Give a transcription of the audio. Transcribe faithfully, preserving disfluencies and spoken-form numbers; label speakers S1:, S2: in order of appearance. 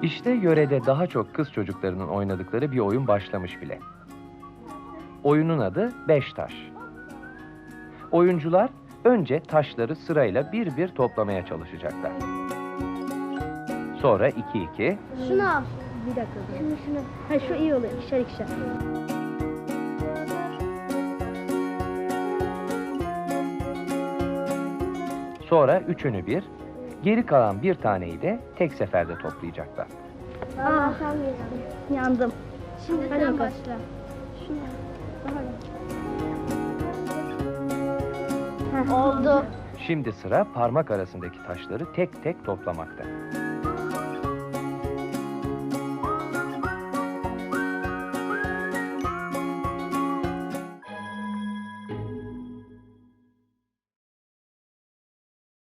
S1: İşte yörede daha çok kız çocuklarının oynadıkları bir oyun başlamış bile. Oyunun adı Beş Taş. Oyuncular önce taşları sırayla bir bir toplamaya çalışacaklar. Sonra iki iki,
S2: Şunu al.
S3: Bir dakika.
S2: Şunu şunu.
S3: Ha şu iyi oluyor. İkişer ikişer.
S1: sonra üçünü bir, geri kalan bir taneyi de tek seferde toplayacaklar.
S2: Aa, sen geçtin.
S3: Yandım.
S2: Şimdi
S3: Hadi
S2: sen
S3: bakalım.
S2: başla. Şunu.
S3: Heh.
S2: Oldu.
S1: Şimdi sıra parmak arasındaki taşları tek tek toplamakta.